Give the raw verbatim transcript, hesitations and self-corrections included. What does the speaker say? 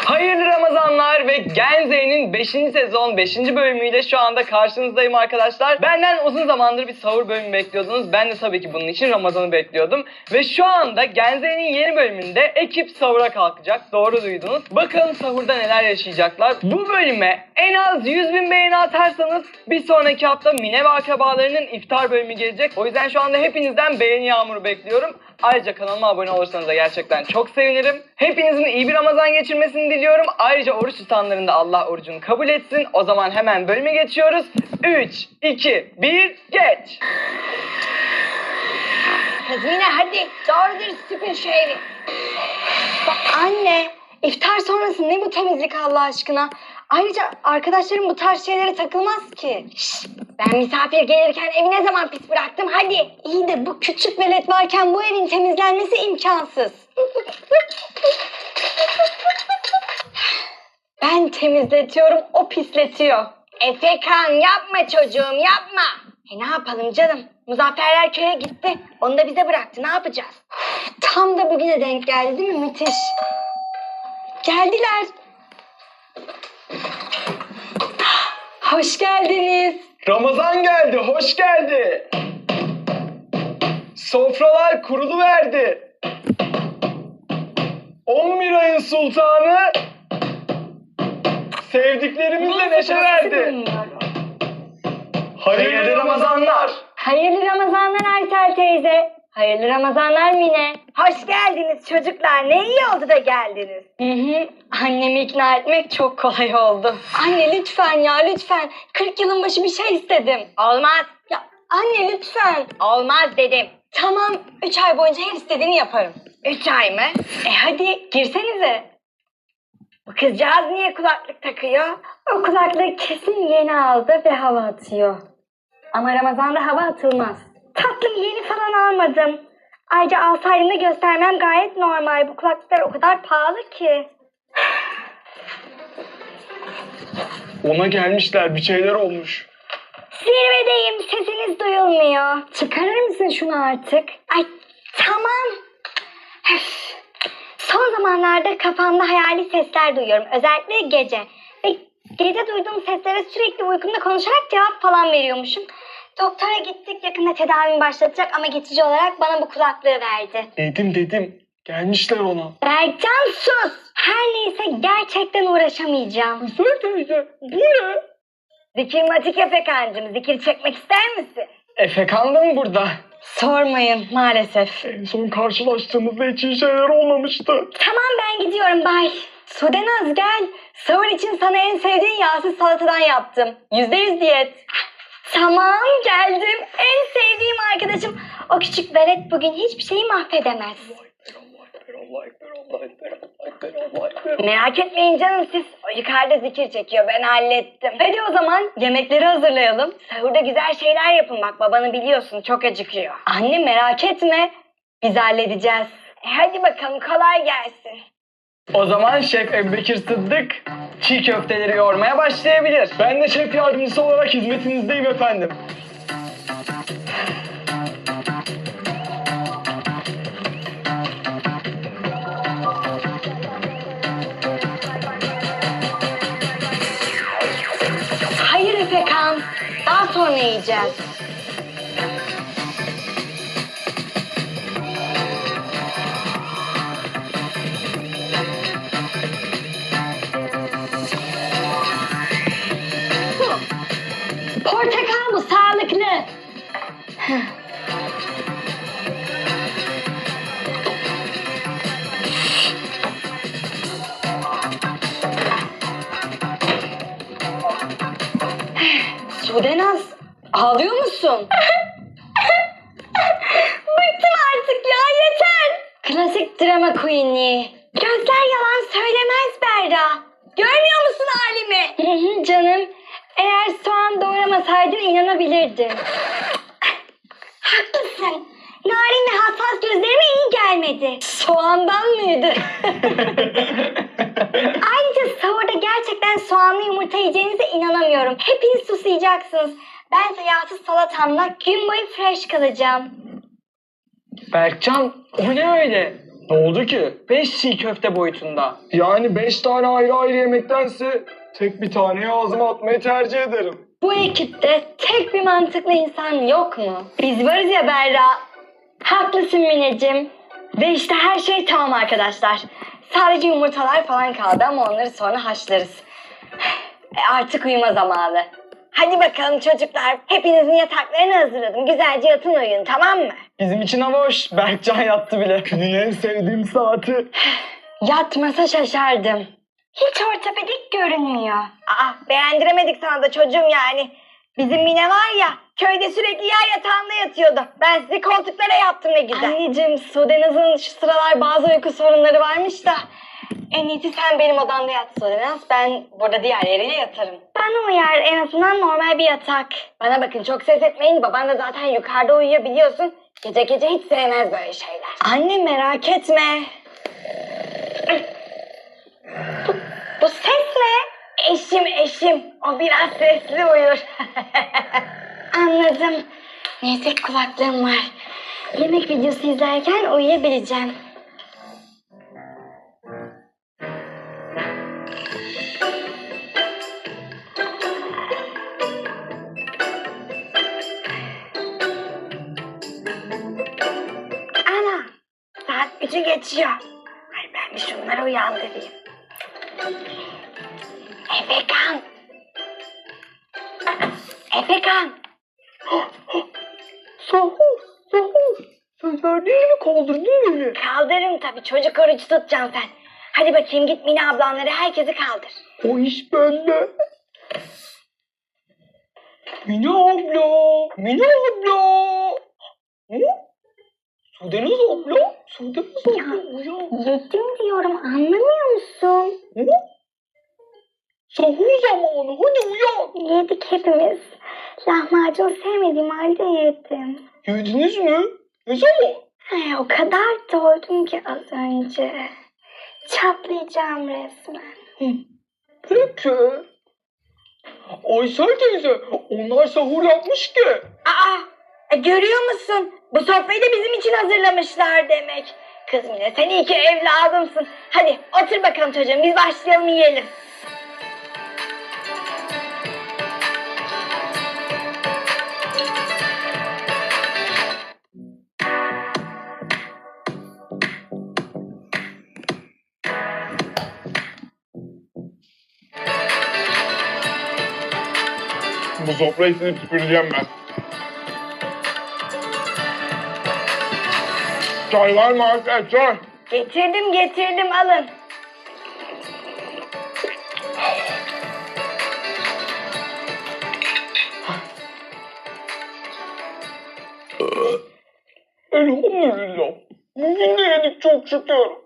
Hayırlı Ramazanlar ve Gen Z'nin beşinci sezon beşinci bölümüyle şu anda karşınızdayım arkadaşlar. Benden uzun zamandır bir sahur bölümü bekliyordunuz. Ben de tabii ki bunun için Ramazan'ı bekliyordum. Ve şu anda Gen Z'nin yeni bölümünde ekip sahura kalkacak. Doğru duydunuz. Bakalım sahurda neler yaşayacaklar. Bu bölüme en az yüz bin beğeni atarsanız bir sonraki hafta Mine ve akrabalarının iftar bölümü gelecek. O yüzden şu anda hepinizden beğeni yağmuru bekliyorum. Ayrıca kanalıma abone olursanız da gerçekten çok sevinirim. Hepinizin iyi bir Ramazan geçirmesini diliyorum. Ayrıca oruç tutanların da Allah orucunu kabul etsin. O zaman hemen bölüme geçiyoruz. üç, iki, bir, geç! Kız Mine hadi doğru dürüst süpür şu evi. Bak anne, iftar sonrası ne bu temizlik Allah aşkına? Ayrıca arkadaşlarım bu tarz şeylere takılmaz ki. Şşt, ben misafir gelirken evi ne zaman pis bıraktım hadi. İyi de bu küçük velet varken bu evin temizlenmesi imkansız. Ben temizletiyorum, o pisletiyor. Efekan yapma çocuğum yapma. E ne yapalım canım? Muzafferler köye gitti. Onu da bize bıraktı. Ne yapacağız? Tam da bugüne denk geldi değil mi? Müthiş. Geldiler. Hoş geldiniz. Ramazan geldi, hoş geldi. Sofralar kuruluverdi. on bir ayın sultanı sevdiklerimizle neşe verdi. Hayırlı Ramazanlar. Hayırlı Ramazanlar Aysel teyze. Hayırlı Ramazanlar Mine. Hoş geldiniz çocuklar. Ne iyi oldu da geldiniz. Hı hı. Annemi ikna etmek çok kolay oldu. Anne lütfen ya lütfen. kırk yılın başı bir şey istedim. Olmaz. Ya anne lütfen. Olmaz dedim. Tamam. üç ay boyunca her istediğini yaparım. üç ay mı? E hadi girsenize. Bu kızcağız niye kulaklık takıyor? O kulaklığı kesin yeni aldı ve hava atıyor. Ama Ramazan'da hava atılmaz. Tatlım yeni falan almadım. Ayrıca alsaydım da göstermem gayet normal. Bu kulaklıklar o kadar pahalı ki. Ona gelmişler, bir şeyler olmuş. Zirvedeyim, sesiniz duyulmuyor. Çıkarır mısın şunu artık? Ay tamam. Öf. Son zamanlarda kafamda hayali sesler duyuyorum. Özellikle gece. Ve gece duyduğum seslere sürekli uykumda konuşarak cevap falan veriyormuşum. Doktora gittik, yakında tedavimi başlatacak ama geçici olarak bana bu kulaklığı verdi. Dedim dedim, gelmişler ona. Berkcan sus! Her neyse gerçekten uğraşamayacağım. Söyle teyze, bu ne? Zikirmatik Efekancığım, zikir çekmek ister misin? Efekan da mı burada? Sormayın maalesef. En son karşılaştığımızda hiç iyi şeyler olmamıştı. Tamam ben gidiyorum bay. Sudenaz gel. Sahur için sana en sevdiğin yağsız salatadan yaptım. Yüzde yüz diyet. Tamam geldim. En sevdiğim arkadaşım. O küçük velet bugün hiçbir şeyi mahvedemez. Merak etmeyin canım siz. O yukarıda zikir çekiyor ben hallettim. Hadi o zaman yemekleri hazırlayalım. Sahurda güzel şeyler yapın bak babanı biliyorsun çok acıkıyor. Anne merak etme. Biz halledeceğiz. E hadi bakalım kolay gelsin. O zaman Şef Ebubekir Sıddık çiğ köfteleri yoğurmaya başlayabilir. Ben de şef yardımcısı olarak hizmetinizdeyim efendim. Hayır Efekan. Daha sonra yiyeceğiz. Portakal bu sağlıklı. Sudenaz ağlıyor musun? Bıktım artık ya yeter. Klasik drama queenliği. Gözler yalan söylemez Berra. Görmüyor musun halimi? Hı hı canım. Eğer soğan doğramasaydın inanabilirdim. Haklısın. Narin ve hassas gözlerime iyi gelmedi. Soğandan mıydı? Ayrıca sahurda gerçekten soğanlı yumurta yiyeceğinize inanamıyorum. Hepiniz susayacaksınız. Bense yağsız salatamla gün boyu fresh kalacağım. Berkcan, o ne öyle? Ne oldu ki? Beş çiğ köfte boyutunda. Yani beş tane ayrı ayrı yemektense tek bir taneyi ağzıma atmayı tercih ederim. Bu ekipte tek bir mantıklı insan yok mu? Biz varız ya Berra. Haklısın Mineciğim. Ve işte her şey tamam arkadaşlar. Sadece yumurtalar falan kaldı ama onları sonra haşlarız. E artık uyuma zamanı. Hadi bakalım çocuklar. Hepinizin yataklarını hazırladım. Güzelce yatın uyuyun, tamam mı? Bizim için hava hoş. Berkcan yattı bile. Günün en sevdiğim saati. Yatmasa şaşardım. Hiç ortopedik görünmüyor. Aa, beğendiremedik sana da çocuğum yani. Bizim Mine var ya, köyde sürekli yer yatağında yatıyordu. Ben sizi koltuklara yaptım ne güzel. Anneciğim, Sudenaz'ın şu sıralar bazı uyku sorunları varmış da. En iyisi sen benim odamda yat Sudenaz. Ben burada diğer yeriyle yatarım. Bana uyar, en azından normal bir yatak. Bana bakın, çok ses etmeyin. Baban da zaten yukarıda uyuyor biliyorsun. Gece gece hiç sevmez böyle şeyler. Anne merak etme. Bu, bu ses ne? Eşim eşim. O biraz sesli uyur. Anladım. Neyse kulaklığım var. Yemek videosu izlerken uyuyabileceğim. Ana, saat üçü geçiyor. Ay ben bir şunları uyandırayım. Efekan. Efekan. Sahur, sahur. Sen verdiğini mi kaldırdın beni? Kaldırırım tabii, çocuk orucu tutacaksın sen. Hadi bakayım git Mine ablanları, herkesi kaldır. O iş bende. Mine abla, Mine abla. Hı? Sudenaz abla, Sudenaz abla uyan. Yedim diyorum, anlamıyor musun? Hı? Sahur zamanı, hadi uyan. Yedik hepimiz. Lahmacun sevmediğim halde yedim. Yediniz mi? Ne zaman? Ay, o kadar doydum ki az önce. Çatlayacağım resmen. Peki. Aysel teyze, onlar sahur yapmış ki. Aa, e, görüyor musun? Bu sofrayı da bizim için hazırlamışlar demek. Kız Mine, sen iyi ki evladımsın. Hadi otur bakalım çocuğum, biz başlayalım yiyelim. Bu sofrayı silip süpüreceğim ben. Çay var mı arkadaşlar? Çay. Getirdim getirdim, alın. Elhamdülillah. Bugün de yedik çok şükür.